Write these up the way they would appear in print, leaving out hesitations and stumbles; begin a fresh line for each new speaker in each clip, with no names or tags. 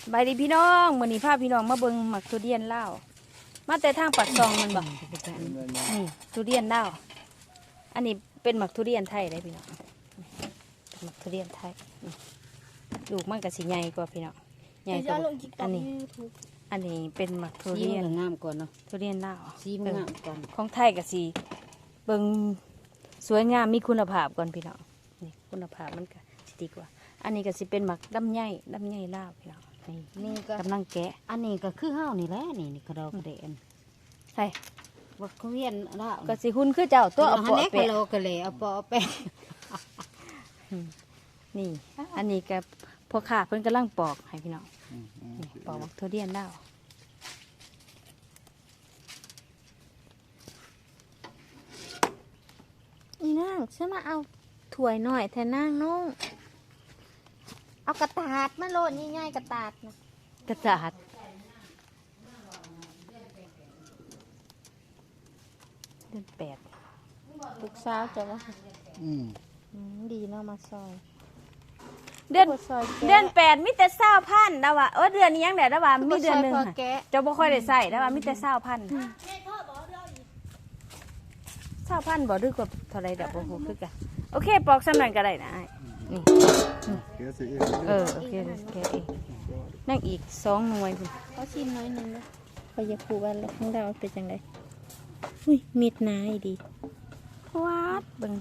บายดีพี่น้องมื้อนี้พาพี่น้องมาเบิ่งหมักทุเรียนลาวมาแต่ทางปากซองมันบ่นี่ทุเรียนลาวอันนี้เป็นหมักทุเรียนไทยได้พี่น้องหมักทุเรียนไทยลูกมันก็สิใหญ่กว่าพี่น้องใหญ่กว่าอันนี้เป็นหมักทุเรียน
งามก่อนเนาะ
ทุเรียนลาว
ซีมันงามก่อน
ของไทยก็สิเบิ่งสวยงามมีคุณภาพก่อนพี่น้องนี่คุณภาพมันก็สิดีกว่าอันนี้ก็สิเป็นหมักดำใหญ่ลาวพี่น้องนี่กำลังแกะ
อันนี้ก็คือห้าวนี่แหละนี่กระดอกกระเดน
ใช่
วักเวียนละ
ก็สิหุ่นคือเจ้าตัวเอาปอแปะ
กระเลเอาปอแปะ
นี่อันนี้ก็พวกข้าเพิ่นกำลังปอกให้พี่น้องปอกทุเรียนดาวอีนางฉันมาเอาถ้วยหน่อยแทนนางน้อง
เอากระตาดมาโลดง่ายๆกระตาดนะ
กระจาดเดือน8
ลูกสาวจะว่าดีเนาะมาซอย
เดือน8มีแต่20,000แล้วว่ะเดือนนี้ยังได้แล้วว่ะมีเดือนนึงเจ้าบ่ค่อยได้ใส่แล้วว่ะมีแต่20,000บ่ดื้อกว่าเท่าไรแบบโอ้โหคือกันโอเคปอกสำนันก็ได้นะนี่โอเคแกเองนั่งอีก2 หน่วยคุณ
เขาชิมน้อยนึงนะพอยาคูวันแล้วของเราเป็นจังไดอุ้ยมีดนาอีดี
วัดเบิ่ง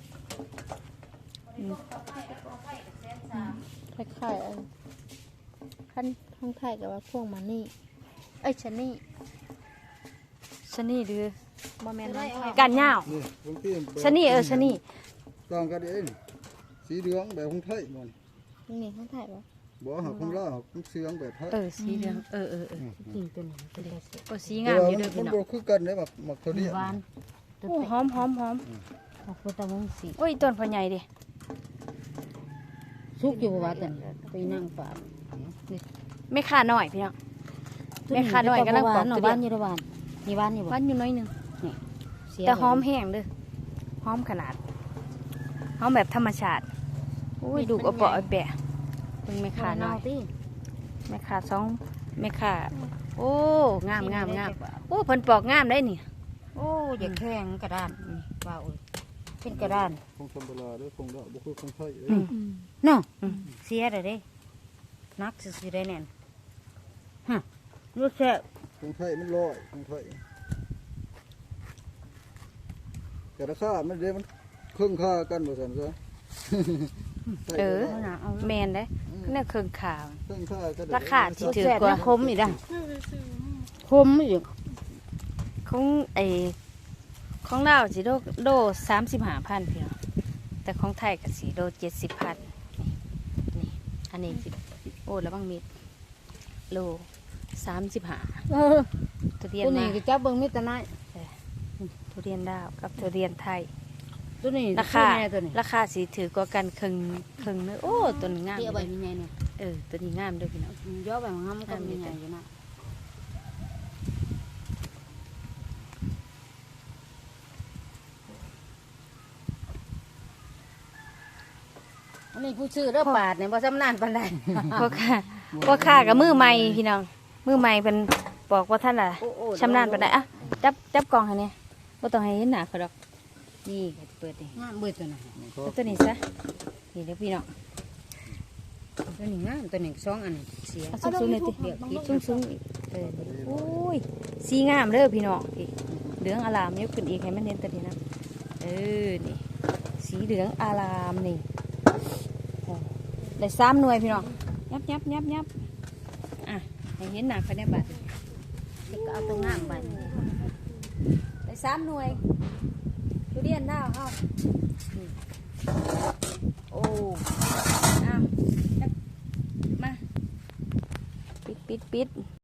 คล้ายๆขั้นท้องไทยกับว่าพวกมันนี่ชะนี่
หรือบ่แม่นกันยาวชะนี่ชะนี่
ต้องกันเองสีเหลืองแบบของไทยมัน
นี่ของไทยปะ
บ่หาของลาวของเสียงแบบไทย
สีเหลือง
จริงตัวนี้ตัวเล็ก
สีงามอยู่เด้อพี่น้อง
มันบ่คือกันเด้แบบหมักทุเรียน
หวาน
โอ้หอม
หมักพุทธวงศ์สี
โอ้ยต้นพ่อใหญ่ดิ
สุกอยู่ว่าแต่ไปนั่งป่า
ไม่ค่าน้อยพี่น้องไม่ค่าน้อยกำลังปอกทุเรียน
นี่หวานนี่หวานอยู่
หวานอยู่น้อยนึงแต่หอมแห้งเด้อหอมขนาดหอมแบบธรรมชาติโอ้ยดูเอาเปาะแปะเป็นไม่ค่าน้อยไม่ค่าไม่ค่าโอ้งามโอ้เพิ่นปอกงามได้นี่
โอ้อย่าแข็งกระดานว้าวเป็นกระดาน
คงธรรมดาเด้อคงดอกบ่คือของไทย
เนาะเสียเลยเด้นักสิได้แน่นฮะรู้แค่
ของไทยมันลอยของไทยแต่ราคามันเด้มันครึ่งค่ากันบ่ซั่นซะ
แมนได้นี่เครื่องข่าวราคาที่ถือกว่า
คมอีกอ่ะคมอีก
ของเราสิโล35,000พี่น้องแต่ของไทยก็สิโล70,000นี่อันนี้สิโอ้แล้วบางมิดโล35ทุเรียน
นี่ก็จับเบิ่งมิตรนาย
ทุเรียนดาวกับทุเรียนไทย
ตัวนี้
ราคาสิถือกว่ากันครึ่งเนื้อโอ้ตัวนี้งาม
เดี๋ยวใบมีไงเนี่ย
ตัวนี้งามด้วยพี่น้อง
ย่อใบงามก็มีไงอยู่นะอันนี้ผู้ชื่อเรื่องปาดเนี่ยบ่สำนานปานใด
พวกข้ากับมือใหม่พี่น้องมือใหม่เป็นบอกว่าท่านล่ะชำนาญปานใดอ่ะจับกล่องให้เนี่ยบ่ต้องให้เห็นหน้าเขาดอกนี่เปิดดิ
งามเบิดตัวไหน
ตัวนี้ซะนี่เดี๋ยวพี่น้อง
ตัวนี้งามตัวนี้2 อันเสีย
สูงๆเลยติเดี๋ยวสูงโอ้ยสีงามเด้อพี่น้องเหลืองอลามยกขึ้นอีกให้มันเห็นตัวนี้นะนี่สีเหลืองอลามนี่ได้3 หน่วยพี่น้องยับอ่ะให้เห็นหน้าเขาได้บาด
ก็เอาตัวงามไป
ได้3 หน่วยทุเรียนดาวเอาโอ้มาปิด